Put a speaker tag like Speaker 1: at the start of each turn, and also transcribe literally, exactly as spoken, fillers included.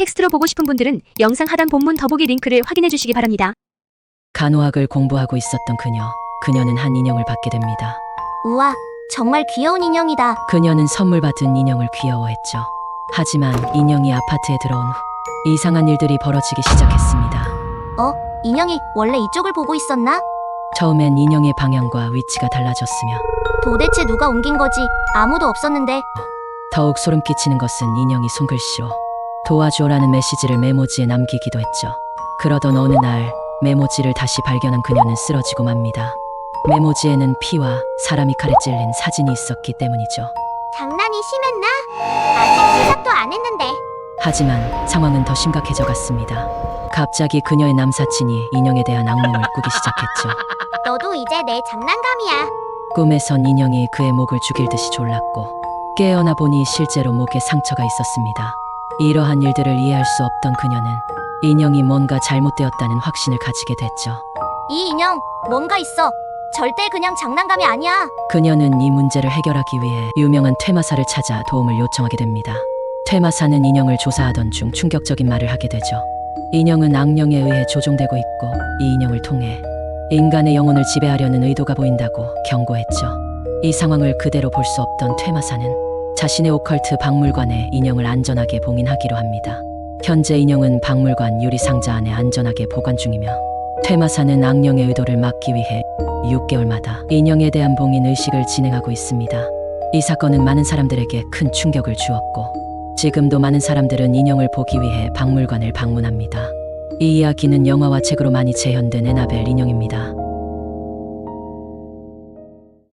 Speaker 1: 텍스트로 보고 싶은 분들은 영상 하단 본문 더보기 링크를 확인해 주시기 바랍니다.
Speaker 2: 간호학을 공부하고 있었던 그녀. 그녀는 한 인형을 받게 됩니다.
Speaker 3: 우와, 정말 귀여운 인형이다.
Speaker 2: 그녀는 선물 받은 인형을 귀여워했죠. 하지만 인형이 아파트에 들어온 후 이상한 일들이 벌어지기 시작했습니다.
Speaker 3: 어? 인형이 원래 이쪽을 보고 있었나?
Speaker 2: 처음엔 인형의 방향과 위치가 달라졌으며
Speaker 3: 도대체 누가 옮긴 거지? 아무도 없었는데.
Speaker 2: 더욱 소름 끼치는 것은 인형이 손글씨로 도와줘라는 메시지를 메모지에 남기기도 했죠. 그러던 어느 날 메모지를 다시 발견한 그녀는 쓰러지고 맙니다. 메모지에는 피와 사람이 칼에 찔린 사진이 있었기 때문이죠.
Speaker 3: 장난이 심했나? 아직 시작도 안 했는데.
Speaker 2: 하지만 상황은 더 심각해져 갔습니다. 갑자기 그녀의 남사친이 인형에 대한 악몽을 꾸기 시작했죠.
Speaker 3: 너도 이제 내 장난감이야.
Speaker 2: 꿈에선 인형이 그의 목을 죽일 듯이 졸랐고 깨어나 보니 실제로 목에 상처가 있었습니다. 이러한 일들을 이해할 수 없던 그녀는 인형이 뭔가 잘못되었다는 확신을 가지게 됐죠.
Speaker 3: 이 인형 뭔가 있어. 절대 그냥 장난감이 아니야.
Speaker 2: 그녀는 이 문제를 해결하기 위해 유명한 퇴마사를 찾아 도움을 요청하게 됩니다. 퇴마사는 인형을 조사하던 중 충격적인 말을 하게 되죠. 인형은 악령에 의해 조종되고 있고 이 인형을 통해 인간의 영혼을 지배하려는 의도가 보인다고 경고했죠. 이 상황을 그대로 볼 수 없던 퇴마사는 자신의 오컬트 박물관에 인형을 안전하게 봉인하기로 합니다. 현재 인형은 박물관 유리 상자 안에 안전하게 보관 중이며 퇴마사는 악령의 의도를 막기 위해 육 개월마다 인형에 대한 봉인 의식을 진행하고 있습니다. 이 사건은 많은 사람들에게 큰 충격을 주었고 지금도 많은 사람들은 인형을 보기 위해 박물관을 방문합니다. 이 이야기는 영화와 책으로 많이 재현된 에나벨 인형입니다.